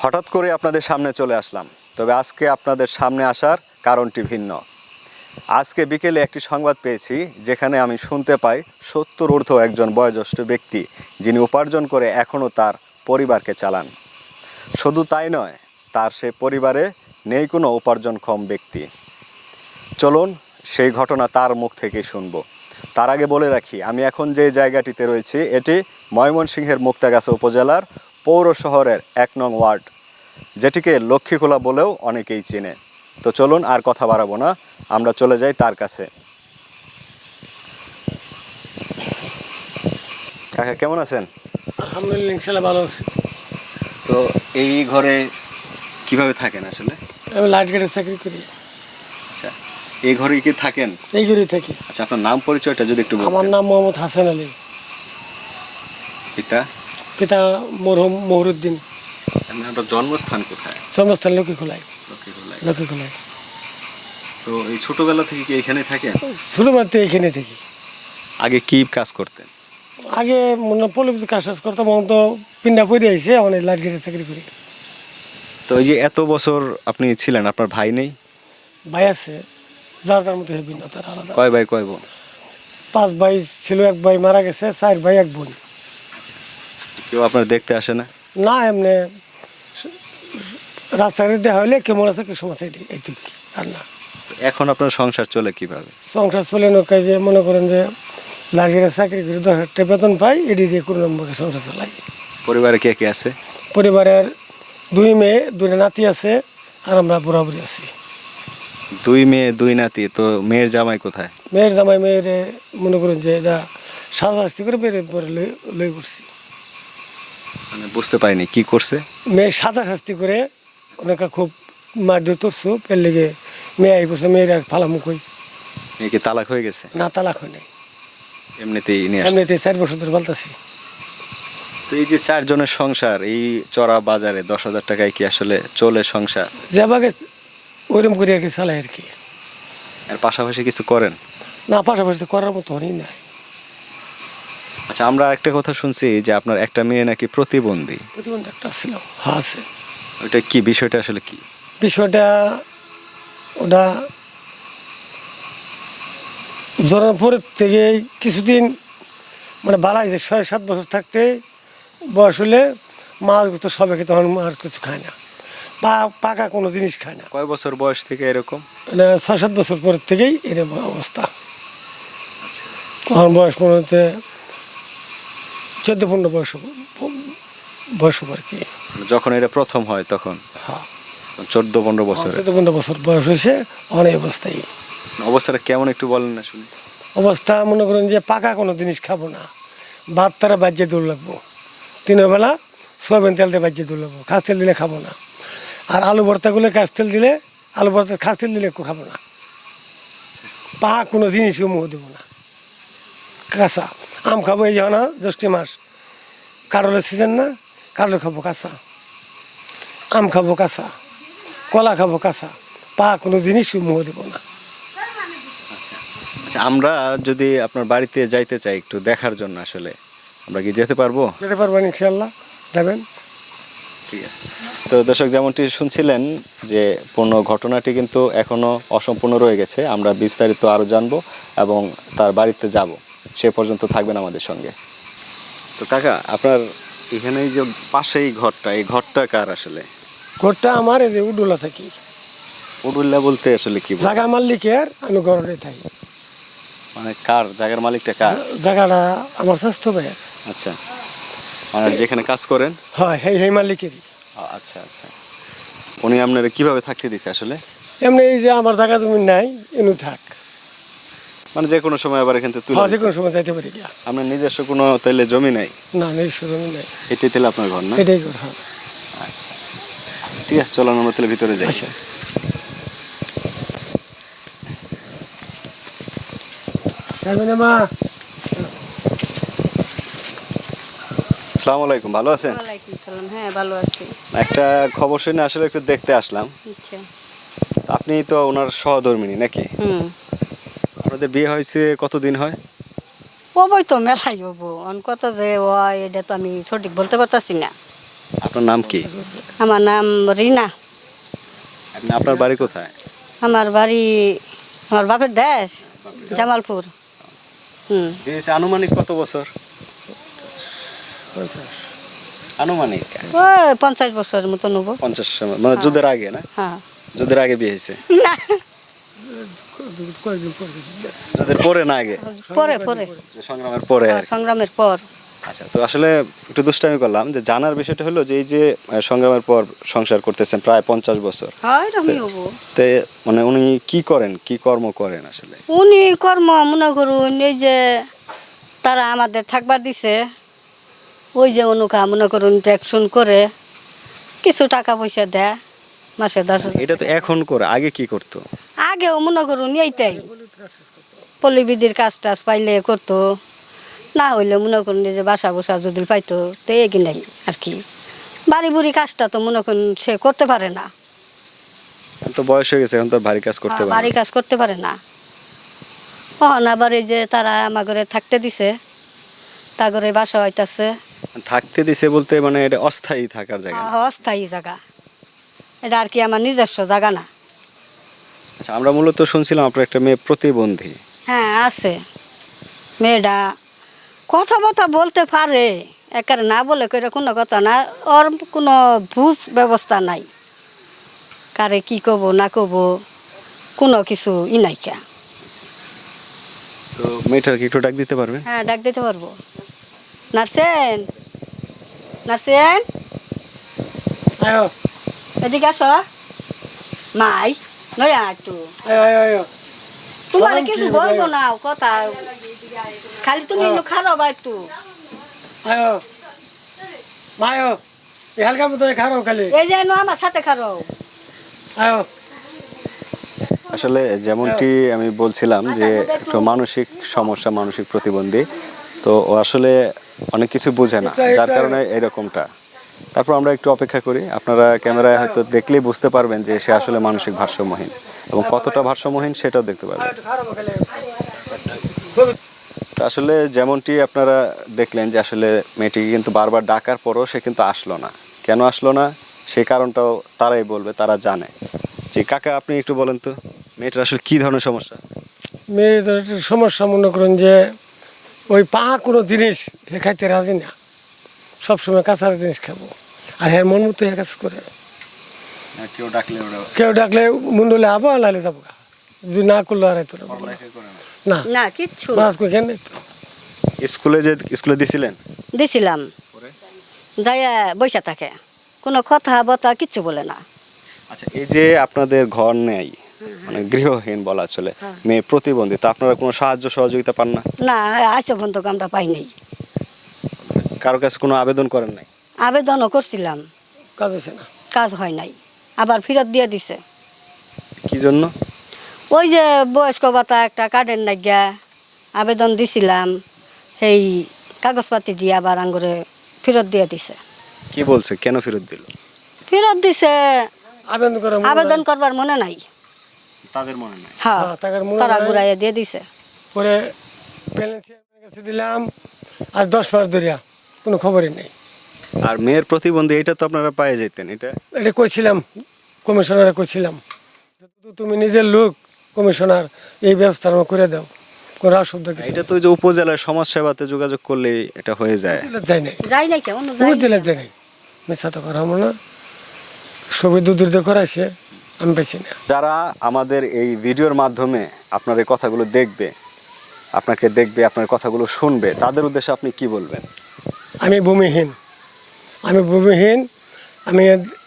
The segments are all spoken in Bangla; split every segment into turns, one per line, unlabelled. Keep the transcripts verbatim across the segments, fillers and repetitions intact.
হঠাৎ করে আপনাদের সামনে চলে আসলাম, তবে আজকে আপনাদের সামনে আসার কারণটি ভিন্ন। আজকে বিকেলে একটি সংবাদ পেয়েছি যেখানে আমি শুনতে পাই সত্তর ঊর্ধ্ব একজন বয়োজ্যেষ্ঠ ব্যক্তি যিনি উপার্জন করে এখনও তার পরিবারকে চালান। শুধু তাই নয়, তার সে পরিবারে নেই কোনো উপার্জনক্ষম ব্যক্তি। চলুন সেই ঘটনা তার মুখ থেকেই শুনবো। তার আগে বলে রাখি, আমি এখন যে জায়গাটিতে রয়েছি এটি ময়মনসিংহের মুক্তাগাছা উপজেলার পৌর শহরের এক নং ওয়ার্ড, যেটিকে লক্ষ্মীখোলা বলেও অনেকেই চেনে। তো চলুন আর কথা বাড়াবো না, আমরা চলে যাই তার কাছে। কাকা কেমন আছেন?
আলহামদুলিল্লাহ, ইনশাআল্লাহ ভালো আছি।
তো এই ঘরে কিভাবে থাকেন আসলে?
আমি লাইট গার্ডের চাকরি করি।
আচ্ছা, এই ঘরে কি থাকেন?
এই ঘরেই থাকি।
আচ্ছা, আপনার নাম পরিচয়টা যদি একটু বলতেন।
আমার নাম মোহাম্মদ হাসান আলী।
পিতা?
পিতা মরহুম মহরুদ্দিন।
আপনার জন্মস্থান কোথায়?
জন্মস্থান লক্ষ্মীখোলায়।
লক্ষ্মীখোলায়।
লক্ষ্মীখোলায়।
তো এই ছোটবেলা থেকে কি এখানে থাকেন?
ছোটবেলা থেকে এখানে থাকি।
আগে কি কাজ করতেন?
আগে মনে পল্লীবিদ্যুৎ কাজ টাজ করতাম, এখন তো পিন্ডা পড়ে আইছে, অনেক লাইট গার্ডের চাকরি করি।
তো এই যে এত বছর আপনি ছিলেন, আপনার ভাই নেই?
ভাই আছে, যার তার মতো ভিন্ন, তার আলাদা।
কয় ভাই কয় বোন?
পাঁচ ভাই ছিল, এক ভাই মারা গেছে, চার ভাই এক বোন।
কেউ আপনার দেখতে আসে না?
না, এমনি রাস্তাঘাটে দেখা হইলে কেমন আছে কি সমস্যা, এইটুকু আর না।
এখন আপনার সংসার চলে কিভাবে?
সংসার চলে নৌকায়, যে মনে করেন যে লাঠির চাকরি করে দশ হাজার টাকা বেতন পাই, এটি দিয়ে কোনো নম্বরকে সংসার চালাই।
পরিবারে কে কে আছে?
পরিবারের দুই মেয়ে, দুইটা নাতি আছে, আর আমরা বরাবরই আছি।
দুই মেয়ে দুই নাতি, তো মেয়ের জামাই কোথায়?
মেয়ের জামাই মেয়ের মনে করেন যে এটা সাজাশাস্তি করে মেয়ের পরে লই লই করছি।
মানে বুঝতে পারিনি কি করছে?
মেয়ের সাজা শাস্তি করে অনেকে খুব মারধর করছো, পের লেগে মেয়ে এই বছর মেয়ের আর ফালামুখ হই।
মেয়ে কি তালাক হয়ে গেছে?
না, তালাক হয় নাই,
এমনিতেই নিয়ে আসছে?
এমনিতে চার বছর ধরে বলতেছি।
তো এই যে চারজনের সংসার এই চড়া বাজারে দশ হাজার টাকায় কি আসলে চলে সংসার?
যেভাবে ওইরকম করে আর কি চালাই আর কি।
আর পাশাপাশি কিছু করেন?
না, পাশাপাশি তো করার মতো হয়ই নাই।
আচ্ছা, আমরা একটা কথা শুনছি যে আপনার একটা মেয়ে নাকি প্রতিবন্ধী।
প্রতিবন্ধী একটা ছিল, হ্যাঁ আছে।
ওইটা কি বিষয়টা আসলে কি?
বিষয়টা ওটা জন্মের পরের থেকে কিছুদিন মানে বালাই যে ছয় সাত বছর থাকতে বয়স হলে মাছ তো সবাই খেতে, তখন আর কিছু খায় না, পা পাকা কোনো জিনিস খায় না।
কয় বছর বয়স থেকে এরকম?
মানে ছয় সাত বছর পরের থেকেই এরকম অবস্থা। তখন বয়স মনে হচ্ছে চোদ্দ পনেরো বয়স বয়স আর কি।
যখন এটা প্রথম হয় তখন?
হ্যাঁ,
চোদ্দ পনেরো বছর।
চোদ্দ পনেরো বছর বয়স হয়েছে, অনেক অবস্থায়।
অবস্থাটা কেমন একটু বলেন না শুনি।
অবস্থা মনে করেন যে পাকা কোনো জিনিস খাবো না, ভাত তারা বাজ্যে দৌড় লাগবো, তিনের বেলা সয়াবিন তেল দিয়ে বাজ্যে দৌড় লাগবো, খাস তেল দিলে খাবো না। আর আলু ভর্তাগুলো কাঁচ তেল দিলে, আলু ভর্তা খাস তেল দিলে একটু খাবো না। পা কোনো জিনিসও মুখ দেবো না। কাঁচা আম খাবো, এই যাও না জ্যৈষ্ঠী মাস কাঁঠালের সিজন না, কাঁঠাল খাবো কাঁচা, আম খাবো কাঁচা, কলা খাবো কাঁচা, পা কোনো জিনিসও মুখ দেবো না।
আচ্ছা, আমরা যদি আপনার বাড়িতে যাইতে চাই একটু দেখার জন্য, আসলে আমরা কি যেতে পারবো?
যেতে পারবেন ইনশাল্লাহ, যাবেন।
ঠিক আছে। তো দর্শক, যেমনটি শুনছিলেন যে পূর্ণ ঘটনাটি কিন্তু এখনো অসম্পূর্ণ রয়ে গেছে। আমরা বিস্তারিত আরও জানবো এবং তার বাড়িতে যাব, সে পর্যন্ত থাকবেন আমাদের সঙ্গে। তো কাকা, আপনার এখানে যে পাশেই ঘরটা, এই ঘরটা কার আসলে?
ঘরটা আমার, এই যে উডুলা থাকি।
উডুল্লা বলতে আসলে কি?
জায়গা মালিকের, আমি ঘরে থাকি।
মানে কার জায়গার মালিকটা কার?
জায়গাটা আমার স্বাস্থ্য ভাইয়ের।
আচ্ছা, মানে যেখানে কাজ করেন?
হয়, সেই সেই মালিকেরই।
আচ্ছা আচ্ছা, উনি আপনারা কিভাবে থাকতে দিছে আসলে?
এমনি এই যে আমার জায়গা জমি নাই, এনু থাক,
মানে যে কোনো সময় আবার এখান থেকে তুলে?
হ্যাঁ, যে কোনো সময় যাইতে পারি গিয়া।
আপনার নিজস্ব কোনো তাইলে জমি নাই?
না, নিজস্ব জমি নাই।
এটাই তাহলে আপনার ঘর না?
এটাই ঘর, হ্যাঁ।
আচ্ছা, ঠিক আছে, চলো আমরা তাহলে ভিতরে যাই।
আচ্ছা, মা।
আসসালামু আলাইকুম, ভালো আছেন?
ওয়ালাইকুম সালাম, হ্যাঁ ভালো আছি।
একটা খবর শুনে আসলে একটু দেখতে আসলাম।
আচ্ছা।
আপনি তো ওনার সহধর্মিণী নাকি?
হুম।
আপনাদের বিয়ে হয়েছে কতদিন হয়?
ও বই তো মেলাই হবো, অন কত যে হয় এটা তো আমি সঠিক বলতে পারতাছি না।
আপনার নাম কি?
আমার নাম রিনা।
আপনি আপনার বাড়ি কোথায়?
আমার বাড়ি আমার বাপের দেশ জামালপুর। হুম
বিয়ে হয়েছে আনুমানিক কত বছর? আনুমানিক
ওই পঞ্চাশ বছরের মতো নেবো।
পঞ্চাশ, মানে যুদ্ধের আগে না?
হ্যাঁ
যুদ্ধের আগে বিয়ে হয়েছে?
না
যুদ্ধের পরে না আগে?
পরে পরে
যে সংগ্রামের পরে আর কি।
সংগ্রামের পর।
আচ্ছা, তো আসলে একটু দুষ্টামি করলাম যে জানার বিষয়টা হলো যে এই যে আহ, সংগ্রামের পর সংসার করতেছেন প্রায় পঞ্চাশ বছর,
হয় রমি হবো।
তে মানে উনি কি করেন, কি কর্ম করেন আসলে?
উনি কর্ম মনে করুন এই যে তারা আমাদের থাকবার দিছে, ওই যে অনুকা মনে করুন ট্যাক্সন করে কিছু টাকা পয়সা দেয় মাসে দশ হাজার।
এটা তো এখন করে, আগে কি করতো?
আগেও মনে করুন এইটাই পল্লীবিধির কাজ টাজ পাইলে করতো, না হইলে মনে করুন এই যে বাসা বসা যদি পাইতো তো এগিনাই আর কি। বাড়ি বুড়ি কাজটা তো মনে করুন সে করতে পারে না,
এখন তো বয়স হয়ে গেছে, এখন তো আর ভারী কাজ করতে
হ্যাঁ,
পারে
বাড়ি
না।
কাজ করতে পারে না। কখন আবার এই যে তারা আমার ঘরে থাকতে দিছে, তা ঘরে বাসা হইতাছে
থাকতে দিছে বলতে মানে এটা অস্থায়ী থাকার জায়গা না।
অস্থায়ী জায়গা, এটা আর কি আমার নিজস্ব জায়গা না।
আচ্ছা, আমরা মূলত শুনছিলাম আপনার একটা মেয়ে প্রতিবন্ধী।
হ্যাঁ আছে, মেয়েটা কথা কথা বলতে পারে, একেবারে না বলে করে কোনো কথা না, ওর কোনো বুঝ ব্যবস্থা নাই, কারে কি কব না কব কোনো কিছু ই নাইকা।
তো মেয়েটার কি একটু ডাক দিতে পারবেন?
হ্যাঁ ডাক দিতে পারবো। নার্সেন, নার্সেন
আয়ো
এদিকে আসো। মাই নয়া একটু
আয়ো আয়ো আয়ো
তোমার
সালাম
কিছু
কি
বলবো
বলে?
না কথা, খালি তুমি একটু খারাপ একটু।
আয়ো মায়ো এই হালকা মতো খারাপ খালি
এই যে নো আমার সাথে খারাপ।
আয়ো
আসলে যেমনটি আমি বলছিলাম যে একটু মানসিক সমস্যা, মানসিক প্রতিবন্ধী, তো ও আসলে অনেক কিছু বোঝে না, যার কারণে এরকমটা। তারপর আমরা একটু অপেক্ষা করি, আপনারা ক্যামেরায় হয়তো দেখলেই বুঝতে পারবেন যে সে আসলে মানসিক ভারসাম্যহীন, এবং কতটা ভারসাম্যহীন সেটাও দেখতে পারবেন।
খারাপ খালি
তো আসলে যেমনটি আপনারা দেখলেন যে আসলে মেয়েটিকে কিন্তু বারবার ডাকার পরও সে কিন্তু আসলো না। কেন আসলো না সেই কারণটাও তারাই বলবে, তারা জানে। যে কাকা, আপনি একটু বলেন তো মেয়েটার আসলে কি ধরনের সমস্যা?
মেয়েদের একটা সমস্যা মনে করেন যে ওই পা কোনো জিনিস হে খাইতে রাজি না, সবসময় কাঁচার জিনিস খাবো, আর হ্যাঁ মন মতো হ্যাঁ কাজ করে।
কেউ ডাকলে ওরা
কেউ ডাকলে মুন্ডলে আবো আর লাইলে যাবো, যদি না করলো আর তো না
না কিচ্ছু
মাছ করে কেন তো
স্কুলে যে স্কুলে দিছিলেন?
দিছিলাম, যাইয়া বৈশা থাকে, কোনো কথা বথা কিচ্ছু বলে না।
আচ্ছা, এই যে আপনাদের ঘর নেই, মানে গৃহহীন বলা চলে, মেয়ে প্রতিবন্ধী, তা আপনারা কোনো সাহায্য সহযোগিতা পান না?
না আজ পর্যন্ত আমরা পাই নাই,
কারো কাছে কোনো আবেদন করেন নাই?
আবেদনও করছিলাম,
কাজ আছে না।
কাজ হয় নাই, আবার ফেরত দিয়ে দিছে।
কি জন্য?
ওই যে বয়স্ক ভাতা একটা কার্ডের নাগিয়া আবেদন দিছিলাম, সেই কাগজপাতি দিয়ে আবার আঙ্গুরে ফেরত দিয়ে দিছে।
কি বলছে, কেন ফেরত দিল?
ফেরত দিছে
আবেদন করে মনে
আবেদন
হয়।
করবার মনে নাই।
তাদের মনে নাই?
হ্যাঁ
হ্যাঁ, টাকার মনে
তারা
নাই।
ঘুরাইয়া দিয়ে দিছে।
পরে ব্যালেন্স কাছে দিলাম আর দশ মাস ধরিয়া কোনো খবরই নেই।
আর মেয়ের প্রতিবন্ধী এটা তো আপনারা পায়ে যেতেন, এটা
এটা কইছিলাম, কমিশনারে কইছিলাম যে তুমি নিজের লোক কমিশনার, এই ব্যবস্থা আমার করে দাও, কোনো অসুবিধা কিছু
এটা তো ওই যে উপজেলার সমাজ সেবাতে যোগাযোগ করলেই এটা হয়ে যায়।
যাই নাই,
যাই নাই কেমন
পুরো জেলা যাই নাই, মিথ্যা তো করা না, সবই দুধুর দিয়ে করাইছে, আমি বেশি না।
যারা আমাদের এই ভিডিওর মাধ্যমে আপনার এই কথাগুলো দেখবে, আপনাকে দেখবে, আপনার কথাগুলো শুনবে, তাদের উদ্দেশ্যে আপনি কি বলবেন?
আমি ভূমিহীন, আমি ভূমিহীন, আমি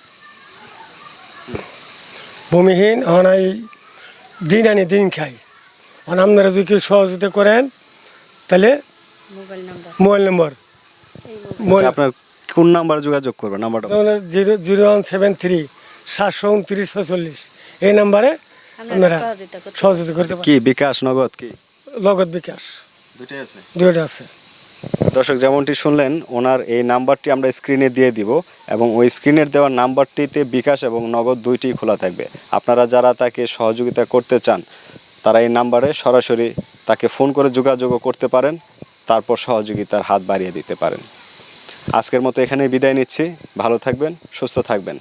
ভূমিহীন হন, এই দিন আনি দিন খাই। হন আপনারা যদি কেউ সহযোগিতা করেন তাহলে
মোবাইল নাম্বার
মোবাইল নম্বর
আচ্ছা, আপনার কোন নাম্বার যোগাযোগ করবেন? নাম্বারটা বলুন।
Zero zero one seven three সাতশো উনত্রিশ ছচল্লিশ, এই নাম্বারে আপনারা
সহযোগিতা করতে
সহযোগিতা করতে পারেন।
কি বিকাশ, নগদ, কি
লগত বিকাশ
দুটোই আছে?
দুইটা আছে।
দর্শক, যেমনটি শুনলেন, ওনার এই নাম্বারটি আমরা স্ক্রিনে দিয়ে দিব, এবং ওই স্ক্রিনের দেওয়া নাম্বারটিতে বিকাশ এবং নগদ দুইটি খোলা থাকবে। আপনারা যারা তাকে সহযোগিতা করতে চান তারা এই নাম্বারে সরাসরি তাকে ফোন করে যোগাযোগও করতে পারেন, তারপর সহযোগিতার হাত বাড়িয়ে দিতে পারেন। আজকের মতো এখানেই বিদায় নিচ্ছি। ভালো থাকবেন, সুস্থ থাকবেন।